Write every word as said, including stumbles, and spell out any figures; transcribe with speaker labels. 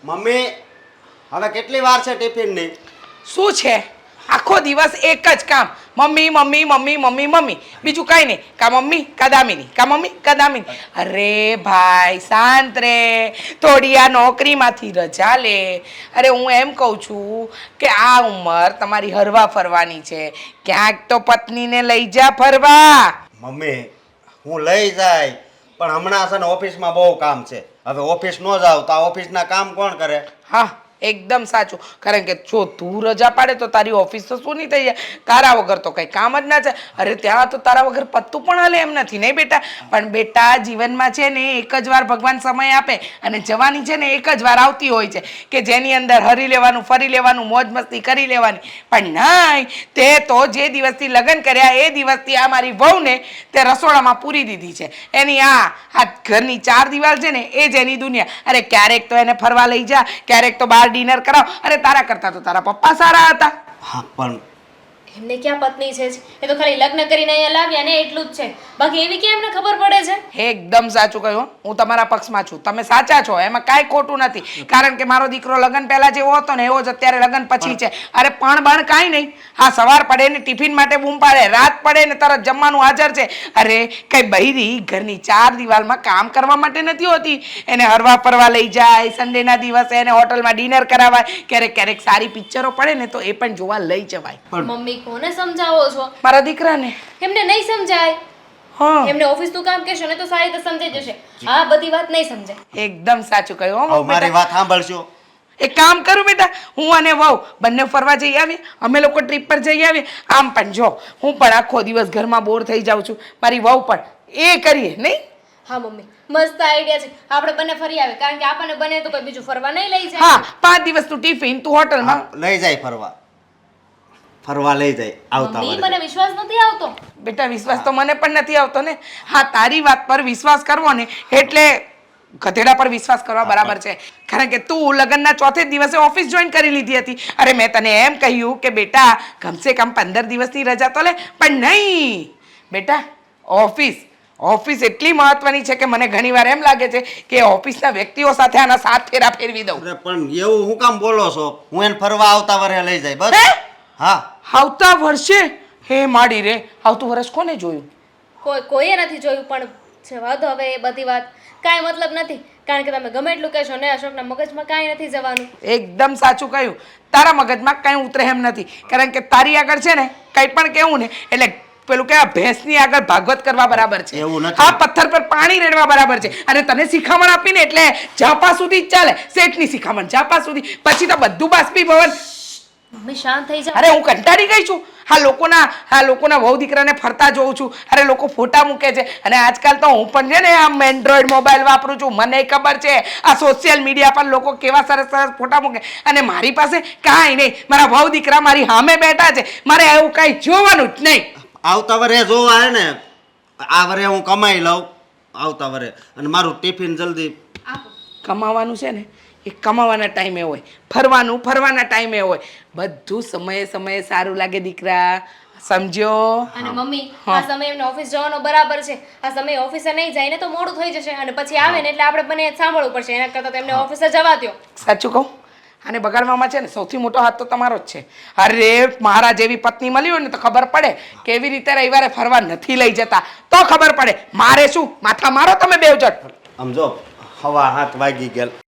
Speaker 1: Mummy હવે કેટલી વાર છે ટિફિનની?
Speaker 2: શું છે આખો દિવસ એક જ કામ, મમ્મી મમ્મી મમ્મી મમ્મી મમ્મી, બીજું કઈ નહીં. કા મમ્મી કા દામિની, કા મમ્મી કા દામિની. અરે ભાઈ શાંત રે, થોડી આ નોકરીમાંથી રજા લે. અરે હું એમ કહું છું કે આ ઉંમર તમારી હરવા ફરવાની છે, ક્યાંક તો પત્નીને લઈ જા ફરવા.
Speaker 1: મમ્મી હું લઈ જાય, પણ હમણાં છે ને ઓફિસમાં બહુ કામ છે. હવે ઓફિસ ન જાવ તો આ ઓફિસના કામ કોણ કરે?
Speaker 2: હા એકદમ સાચું, કારણ કે જો તું રજા પાડે તો તારી ઓફિસ તો શું નહીં થઈ જાય, તારા વગર તો કંઈ કામ જ ના છે. અરે ત્યાં તો તારા વગર પત્તું પણ હાલે એમ નથી નહીં બેટા. પણ બેટા જીવનમાં છે ને એક જ વાર ભગવાન સમય આપે, અને જવાની છે ને એક જ વાર આવતી હોય છે કે જેની અંદર હરી લેવાનું, ફરી લેવાનું, મોજ મસ્તી કરી લેવાની. પણ નહીં, તે તો જે દિવસથી લગ્ન કર્યા એ દિવસથી આ મારી વહુને તે રસોડામાં પૂરી દીધી છે. એની આ આ ઘરની ચાર દિવાલ છે ને એ જ એની દુનિયા. અરે ક્યારેક તો એને ફરવા લઈ જા, ક્યારેક તો બહાર ડિનર કરાવ. અરે તારા કરતા તો તારા પપ્પા સારા હતા.
Speaker 1: હા પણ
Speaker 3: એમને ક્યાં પત્ની છે જ? એ તો ખાલી લગ્ન કરીને અહીંયા લાવ્યા ને એટલું જ છે, બાકી એવી કેમ એમને ખબર પડે છે?
Speaker 2: એકદમ સાચું કહ્યું, હું તમારા પક્ષમાં છું, તમે સાચા છો, એમાં કાંઈ ખોટું નથી. કારણ કે મારો દીકરો લગ્ન પહેલા જેવો હતો ને એવો જ અત્યારે લગ્ન પછી છે. અરે પણ બણ કાંઈ નહીં, હા સવાર પડે ને ટિફિન માટે બૂમ પાડે, રાત પડે ને તરત જમવાનું હાજર છે. અરે કઈ બૈરી ઘરની ચાર દિવાલમાં કામ કરવા માટે નથી હોતી. એને હરવા ફરવા લઈ જાય, સન્ડેના દિવસે એને હોટલમાં ડિનર કરાવાય, ક્યારેક ક્યારેક સારી પિક્ચરો પડે ને તો એ પણ જોવા લઈ જવાય.
Speaker 3: મમ્મી કોને સમજાવો છો?
Speaker 2: મારા દીકરાને.
Speaker 3: એમને નહીં સમજાય.
Speaker 2: હા
Speaker 3: એમને ઓફિસનું કામ કહેશો ને તો સારી રીતે સમજાઈ જશે. આ બધી વાત નહીં સમજાય.
Speaker 2: એકદમ સાચું કહ્યું હો
Speaker 1: હવે મારી
Speaker 2: બેટા.
Speaker 1: વાત સાંભળશો?
Speaker 2: એક કામ કરું બેટા, હું અને વહુ બંને ફરવા જઈ આવીએ, અમે લોકો ટ્રીપ પર જઈ આવીએ. આમ પણ જો હું પણ આખો દિવસ ઘરમાં બોર થઈ જાઉં છું, મારી વહુ પણ, એ કરીએ નહીં?
Speaker 3: હા મમ્મી મસ્ત આઈડિયા છે, આપણે બંને ફરી આવે, કારણ કે આપણને બને તો કોઈ બીજું ફરવા નહીં લઈ જાય.
Speaker 2: હા પાંચ દિવસનું ટિફિન તું હોટલમાં.
Speaker 1: હા, લઈ જાય ફરવા, ફરવા લઈ જાય આવતા
Speaker 3: મમ્મી
Speaker 1: વારે.
Speaker 3: મને વિશ્વાસ નથી આવતો.
Speaker 2: બેટા વિશ્વાસ તો મને પણ નથી આવતો ને. હા તારી વાત પર વિશ્વાસ કરવો ને એટલે ગધેડા પર વિશ્વાસ કરવા બરાબર છે. કારણ કે તું લગ્નના ચોથે દિવસે ઓફિસ જોઈન કરી લીધી હતી. અરે મેં તને એમ કહ્યું કે બેટા કમસે કમ પંદર દિવસની રજા તો લે, પણ નહીં બેટા. ઓફિસ ઓફિસ એટલી મહત્વની છે કે મને ઘણીવાર એમ લાગે છે કે ઓફિસના વ્યક્તિઓ સાથે આના સાત ફેરા ફેરવી દઉં.
Speaker 1: અરે પણ એવું હું કામ બોલો છો? હું એને ફરવા આવતા વારે લઈ જાય બસ.
Speaker 2: હે?
Speaker 1: હા
Speaker 2: આવતા વર્ષે? હે માડી રે, આવતું વર્ષ કોને જોયું?
Speaker 3: કોઈ કોઈએ નથી જોયું, પણ જવા દો હવે એ બધી વાત, કાંઈ મતલબ નથી. કારણ કે તમે ગમે એટલું કહેશો ને અશોકના મગજમાં કાંઈ નથી જવાનું.
Speaker 2: એકદમ સાચું કહ્યું, તારા મગજમાં કઈ ઉતરે એમ નથી. કારણ કે તારી આગળ છે ને કંઈ પણ કહેવું ને એટલે પેલું કે ભેંસની આગળ ભાગવત કરવા બરાબર છે.
Speaker 1: એવું નથી.
Speaker 2: આ પથ્થર પર પાણી રેડવા બરાબર છે. અને તને શિખામણ આપીને એટલે ઝાપા સુધી જ ચાલે, શેઠની શિખામણ ઝાપા સુધી, પછી તો બધું બાષ્પીભવન.
Speaker 3: મમ્મી શાંત થઈ જાઓ.
Speaker 2: અરે હું કંટાળી ગઈ છું આ લોકોના આ લોકોના વહુ દીકરાને ફરતા જોઉં છું. અરે લોકો ફોટા મૂકે છે, અને આજકાલ તો હું પણ છે ને આમ એન્ડ્રોઈડ મોબાઈલ વાપરું છું, મને ખબર છે આ સોશિયલ મીડિયા પર લોકો કેવા સરસ સરસ ફોટા મૂકે, અને મારી પાસે કાંઈ નહીં. મારા વહુ દીકરા મારી સામે બેઠા છે, મારે એવું કાંઈ જોવાનું જ નહીં.
Speaker 1: આવતા વરે જોવા હે ને, આ વરે હું કમાઈ લઉં આવતા વરે, અને મારું ટિફિન જલ્દી.
Speaker 3: આપો.
Speaker 2: કમાવાનું છે ને એ કમાવાના ટાઈમે હોય, ફરવાનું ફરવાના ટાઈમે હોય, બધું સમયે સમયે સારું લાગે દીકરા, સમજ્યો?
Speaker 3: અને મમ્મી આ સમય એમને ઓફિસ જવાનો બરાબર છે. આ સમય ઓફિસે નહીં જાય ને તો મોડું થઈ જશે, અને પછી આવે ને એટલે આપણે બંને સાંભળવું પડશે. એના કરતાં તો એમને ઓફિસે જવા દ્યો.
Speaker 2: સાચું કહું, અને બગાડવામાં છે ને સૌથી મોટો હાથ તો તમારો જ છે. અરે મારા જેવી પત્ની મળી હોય ને તો ખબર પડે કેવી રીતે રવિવારે ફરવા નથી લઈ જતા, તો ખબર પડે. મારે શું માથા મારો તમે બેવ જટ.
Speaker 1: સમજો હવા હાથ વાગી ગયા.